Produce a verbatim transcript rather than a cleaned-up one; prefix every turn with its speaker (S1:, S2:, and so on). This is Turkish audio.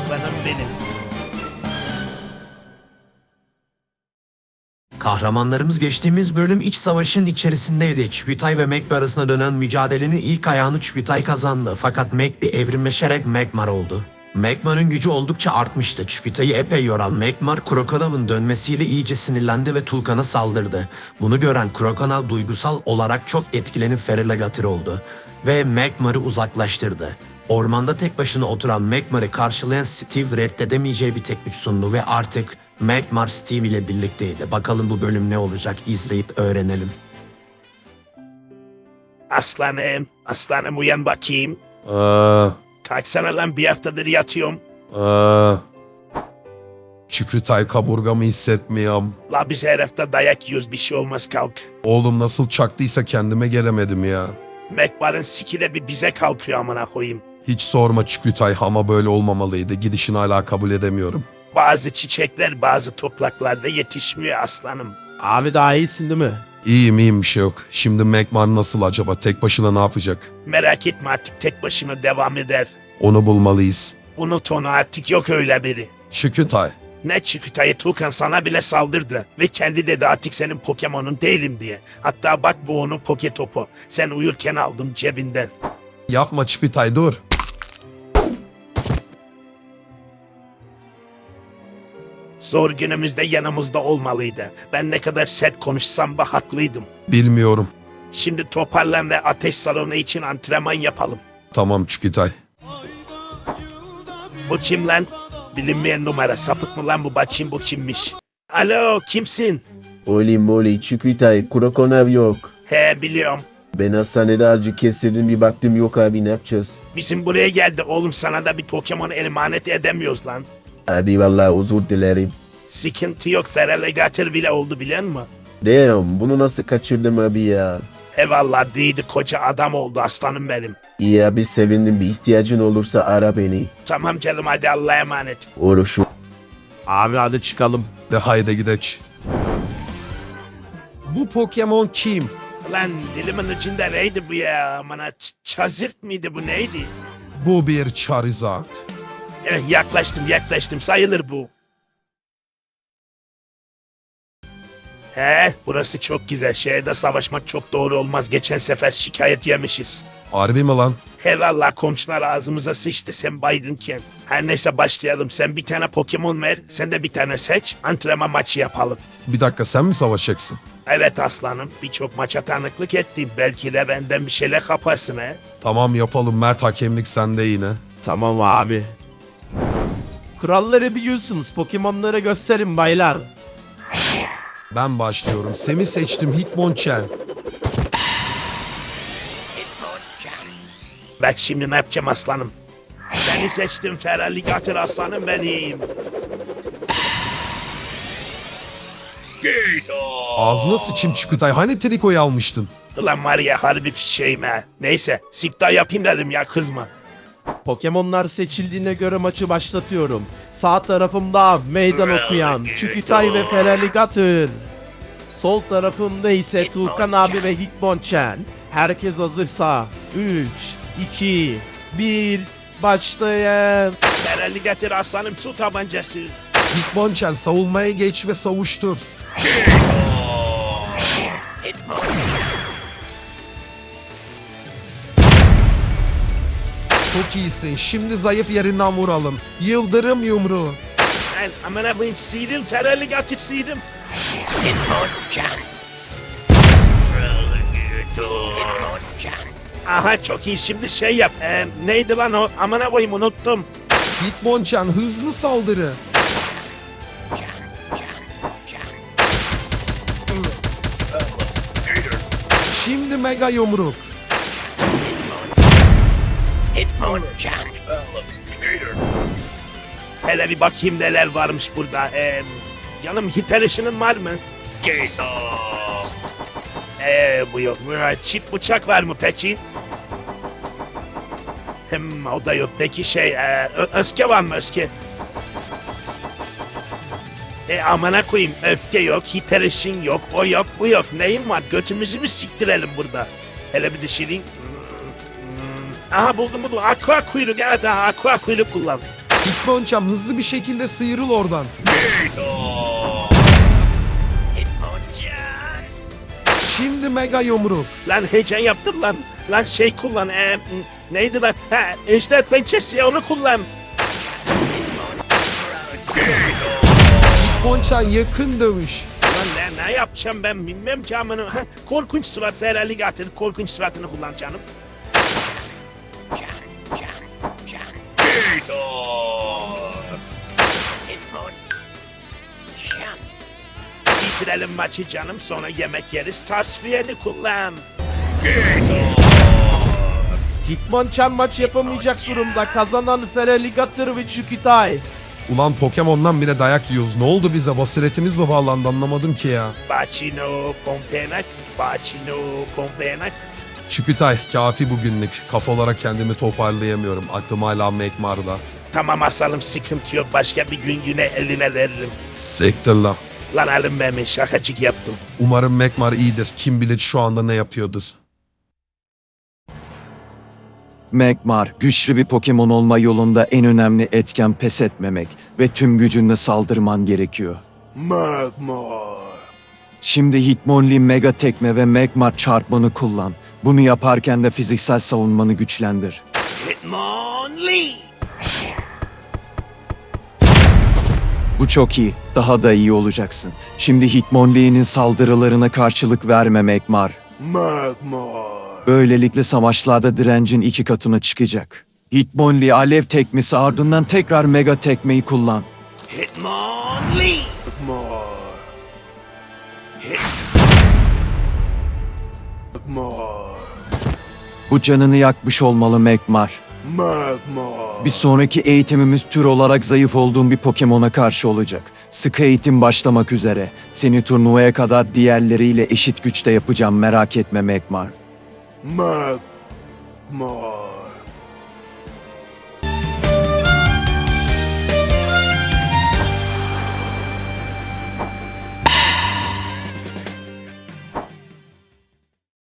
S1: aslanım benim.
S2: Kahramanlarımız geçtiğimiz bölüm iç savaşın içerisindeydi. Çükütay ve Magma arasında dönen mücadelenin ilk ayağını Çükütay kazandı. Fakat Magma evrimleşerek Magmar oldu. Magmar'ın gücü oldukça artmıştı. Çükütay'ı epey yoran Magmar, Krokonav'ın dönmesiyle iyice sinirlendi ve Tulkan'a saldırdı. Bunu gören Krokonav duygusal olarak çok etkilenip Feraligatr oldu ve Magmar'ı uzaklaştırdı. Ormanda tek başına oturan Magmar'ı karşılayan Steve reddedemeyeceği bir teklif sundu ve artık Magmar Steve ile birlikteydi. Bakalım bu bölüm ne olacak, izleyip öğrenelim.
S1: Aslanım, aslanım uyan bakayım.
S3: Aa,
S1: Kalksana lan, bir haftadır yatıyorum.
S3: aa. Çükütay kaburgamı hissetmiyorum.
S1: La biz her hafta dayak yiyoruz, bir şey olmaz, kalk.
S3: Oğlum nasıl çaktıysa kendime gelemedim ya.
S1: Magmar'ın siki de bir bize kalkıyor amına koyayım.
S3: Hiç sorma Çükütay, ama böyle olmamalıydı. Gidişini hala kabul edemiyorum.
S1: Bazı çiçekler bazı topraklarda yetişmiyor aslanım.
S4: Abi daha iyisin değil mi?
S3: İyiyim iyiyim, bir şey yok. Şimdi Magmar nasıl acaba? Tek başına ne yapacak?
S1: Merak etme, artık tek başına devam eder.
S3: Onu bulmalıyız.
S1: Unut onu, artık yok öyle biri.
S3: Çükütay.
S1: Ne Çükütay'ı, Tulkan sana bile saldırdı. Ve kendi dedi artık senin Pokemon'un değilim diye. Hatta bak bu onun Poke Topu. Sen uyurken aldım cebinden.
S3: Yapma Çükütay, dur.
S1: Zor günümüzde yanımızda olmalıydı. Ben ne kadar sert konuşsam da haklıydım.
S3: Bilmiyorum.
S1: Şimdi toparlan ve ateş salonu için antrenman yapalım.
S3: Tamam Çükütay.
S1: Bu kim lan? Bilinmeyen numara, sapık mı lan bu, bakayım bu kimmiş. Alo, kimsin?
S5: Oli moli Çükütay, Krokonav yok.
S1: He, biliyorum.
S5: Ben hastanede acı kestirdim, bir baktım yok abi, ne yapacağız?
S1: Bizim buraya geldi oğlum, sana da bir Pokemon emanet edemiyoruz lan.
S5: Abi vallahi özür dilerim.
S1: Sıkıntı yok, Feraligatr bile oldu biliyor musun?
S5: Damn, bunu nasıl kaçırdım abi ya?
S1: Eyvallah, değildi, koca adam oldu aslanım benim.
S5: İyi abi, sevindim, bir ihtiyacın olursa ara beni.
S1: Tamam canım, hadi Allah'a emanet.
S5: Uğraşım.
S4: Abi hadi çıkalım.
S3: De haydi gidek. Bu Pokemon kim?
S1: Lan dilimin ucunda neydi bu ya? Bana Charizard mıydı bu, neydi?
S3: Bu bir Charizard.
S1: Eh, yaklaştım yaklaştım, sayılır bu. He, burası çok güzel. Şehirde savaşmak çok doğru olmaz. Geçen sefer şikayet yemişiz.
S3: Harbi mi lan?
S1: He valla, komşular ağzımıza sıçtı sen baygınken. Her neyse başlayalım. Sen bir tane Pokemon ver, sen de bir tane seç. Antrenman maçı yapalım.
S3: Bir dakika, sen mi savaşacaksın?
S1: Evet aslanım, birçok maça tanıklık ettim. Belki de benden bir şeyler kaparsın he.
S3: Tamam yapalım, Mert, hakemlik sende yine.
S4: Tamam abi. Kuralları biliyorsunuz. Pokemon'ları gösterin baylar.
S3: Ben başlıyorum. Semi seçtim, Hitmonchan.
S1: Bak şimdi ne yapacağım aslanım. Seni seçtim Feraligatr aslanım benim.
S3: Ağzına sıçayım Çükütay, hani trikoyu almıştın?
S1: Ulan var ya, harbi fişeğim ha. Neyse, sikta yapayım dedim ya, kızma.
S4: Pokemon'lar seçildiğine göre maçı başlatıyorum. Sağ tarafımda meydan okuyan Çükütay ve Feraligatr. Sol tarafımda ise Tulkan abi ve Hitmonchan. Herkes hazırsa üç, iki, bir, başlayın.
S1: Feraligatr aslanım, su tabancası.
S3: Hitmonchan, savunmaya geç ve savuştur. Çok iyisin. Şimdi zayıf yerinden vuralım. Yıldırım yumruğu.
S1: Ben amına koyayım, sıydım Feraligatr, sıydım. Aha, çok iyi, şimdi şey yap. Ee, neydi lan o? Amına koyayım, unuttum.
S3: Hitmonchan, hızlı saldırı. Şimdi mega yumruk.
S1: Hele bir bakayım neler varmış burada. Ee, canım, hiper ışının var mı? Eee bu yok. Çip bıçak var mı peki? Hem o da yok. Peki şey, e, öfke var mı, öfke? E amına koyayım, öfke yok, hiper ışın yok, o yok, bu yok. Neyin var? Götümüzü mü siktirelim burada? Hele bir düşüreyim. Aha, buldum buldum. Aqua kuyruk, evet, aha, aqua kuyruk kullan.
S3: Hitmonchan hızlı bir şekilde sıyrıl oradan. Şimdi mega yumruk.
S1: Lan heyecan yaptım lan. Lan şey kullan. E, neydi lan? Ha, ejder pençesi onu kullan.
S3: Hitmonchan yakın dövüş.
S1: Lan ne, ne yapacağım ben bilmem ki amına. Ha, korkunç surat herhalde getirdi. Korkunç suratını kullan canım. Bitirelim maçı canım, sonra yemek yeriz. Tasfiyeni kullan.
S4: Hitmonchan maç yapamayacak durumda. Kazanan Feraligatr ve Çükütay.
S3: Ulan Pokemon'dan bile dayak yiyoruz. Ne oldu bize? Basiretimiz mi bağlandı anlamadım ki ya.
S1: Bacino pompenak, bacino pompenak.
S3: Çükütay kafi bugünlük. Kafa olarak kendimi toparlayamıyorum. Aklım hala Magmar'da.
S1: Tamam asalım, sıkıntı yok. Başka bir gün yine eline veririm.
S3: Sektir lan.
S1: Lan alın ben şakacık yaptım.
S3: Umarım Magmar iyidir. Kim bilir şu anda ne yapıyordur.
S6: Magmar, güçlü bir Pokemon olma yolunda en önemli etken pes etmemek ve tüm gücünle saldırman gerekiyor.
S1: Magmar.
S6: Şimdi Hitmonlee Mega Tekme ve Magmar çarpmanı kullan. Bunu yaparken de fiziksel savunmanı güçlendir.
S1: Hitmonlee.
S6: Bu çok iyi, daha da iyi olacaksın. Şimdi Hitmonlee'nin saldırılarına karşılık verme Magmar.
S1: Magmar.
S6: Böylelikle savaşlarda direncin iki katına çıkacak. Hitmonlee alev tekmesi ardından tekrar Mega Tekmeyi kullan.
S1: Hitmonlee. Magmar. Magmar.
S6: Bu canını yakmış olmalı Magmar.
S1: Magmar.
S6: Bir sonraki eğitimimiz tür olarak zayıf olduğun bir Pokemon'a karşı olacak. Sıkı eğitim başlamak üzere. Seni turnuvaya kadar diğerleriyle eşit güçte yapacağım, merak etme Magmar.
S1: Magmar.